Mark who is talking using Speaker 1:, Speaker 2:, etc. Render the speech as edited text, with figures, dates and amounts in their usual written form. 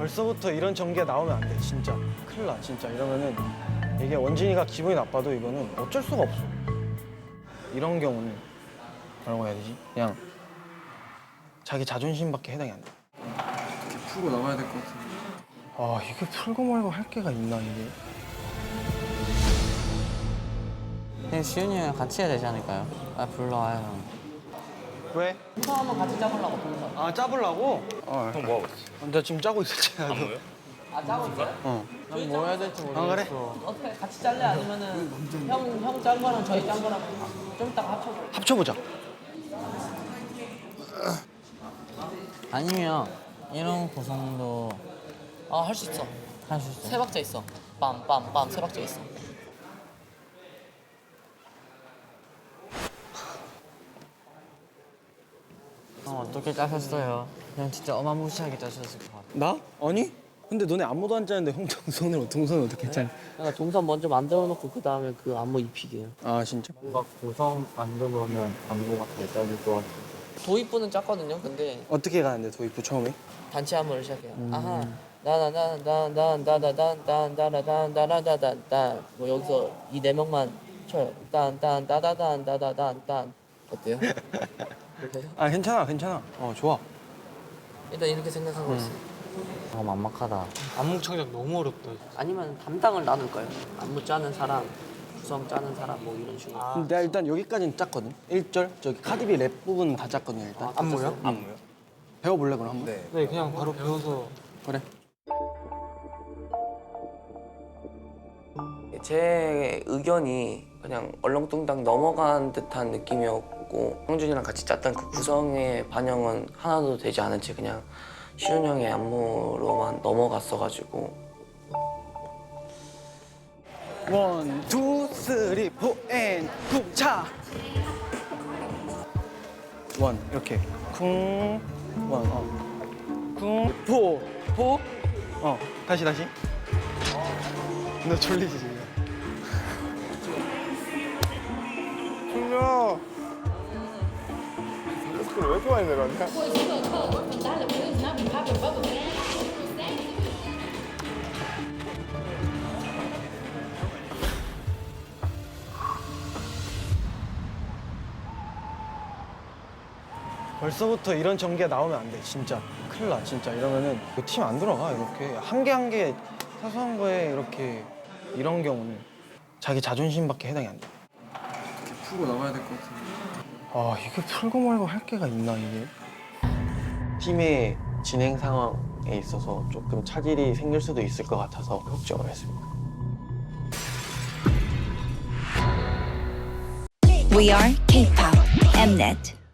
Speaker 1: 벌써부터 이런 전개 나오면 안 돼, 진짜. 큰일 나, 진짜. 이러면은 이게 원진이가 기분이 나빠도 이거는 어쩔 수가 없어. 이런 경우는 뭐라고 해야 되지? 그냥 자기 자존심밖에 해당이 안 돼.
Speaker 2: 어떻게 풀고 나가야 될 것 같은데.
Speaker 1: 아, 이게 풀고 말고 할 게가 있나, 이게?
Speaker 3: 그냥 시윤이 형이랑 같이 해야 되지 않을까요? 아 불러와요 형.
Speaker 1: 왜?
Speaker 3: 동선 한번 같이 짜보려고 동선.
Speaker 1: 아, 짜보려고?
Speaker 4: 형 뭐하고 있어?
Speaker 1: 나 지금 짜고 있었잖아.
Speaker 4: 안무요?
Speaker 3: 아 짜고 있어요?
Speaker 1: 어.
Speaker 3: 뭐 해야 될지 모르겠어.
Speaker 1: 그래?
Speaker 3: 어떻게 같이 짤래 아니면은 형 짠 거랑 저희 짠 거랑 좀 이따가 합쳐볼래?
Speaker 1: 합쳐보자.
Speaker 3: 아니면 이런 구성도 할 수 있어. 할 수 있어. 세 박자 있어. 빰빰빰 세 박자 있어. 어떻게 짜셨어요? 그냥 진짜 어마무시하게 짜셨을 것 같아.
Speaker 1: 나? 아니? 근데 너네 아무도 안 짜는데 형 동선을 어떻게 짜?
Speaker 3: 그러니까 동선 먼저 만들어 놓고 그 다음에 그 안무 입히게요.
Speaker 1: 아, 진짜?
Speaker 3: 뭔가 구성 만들면 안무가 잘 짜질 것 같아. 도입부는 짰거든요. 근데
Speaker 1: 어떻게 가는데, 도입부 처음에?
Speaker 3: 단체 안무를 시작해요. 아하 나나나나나나나나나나나나나나나 뭐 여기서 이 네 명만 쳐요. 딴딴따다단따다단딴 어때요? 그렇게 해요?
Speaker 1: 아, 괜찮아. 좋아.
Speaker 3: 일단 이렇게 생각하고 있어. 막막하다.
Speaker 5: 안무 창작 너무 어렵다.
Speaker 3: 아니면 담당을 나눌까요? 안무 짜는 사람, 구성 짜는 사람 뭐 이런 식으로.
Speaker 1: 근데 내가 일단 여기까지는 짰거든. 1절 저기 카디비 랩 부분 다 짰거든, 일단.
Speaker 5: 안무요?
Speaker 4: 안무요?
Speaker 1: 배워볼래, 그럼 한번?
Speaker 4: 네.
Speaker 5: 네, 그냥 바로 배워서.
Speaker 1: 그래.
Speaker 6: 제 의견이 그냥 얼렁뚱땅 넘어간 듯한 느낌이었고 형준이랑 같이 짰던 그 구성의 반영은 하나도 되지 않은 채 그냥 시훈 형의 안무로만 넘어갔어가지고
Speaker 1: 원, 투, 쓰리, 포, 앤, 쿵, 차! 원, 이렇게. 쿵, 원, 쿵, 포, 다시. 너 졸리지, 지금? 졸려.
Speaker 4: 왜 이렇게 많이 내려왔냐?
Speaker 1: 벌써부터 이런 전개 나오면 안 돼, 진짜. 큰일 나, 진짜. 이러면은 팀 안 들어가, 이렇게. 한 개 사소한 거에 이렇게 이런 경우는 자기 자존심밖에 해당이 안 돼.
Speaker 2: 어떻게 풀고 나가야 될 것 같은데.
Speaker 1: 아, 이게 풀고 말고 할 게가 있나, 이게?
Speaker 6: 팀의 진행 상황에 있어서 조금 차질이 생길 수도 있을 것 같아서 걱정을 했습니다.
Speaker 7: We are K-pop Mnet.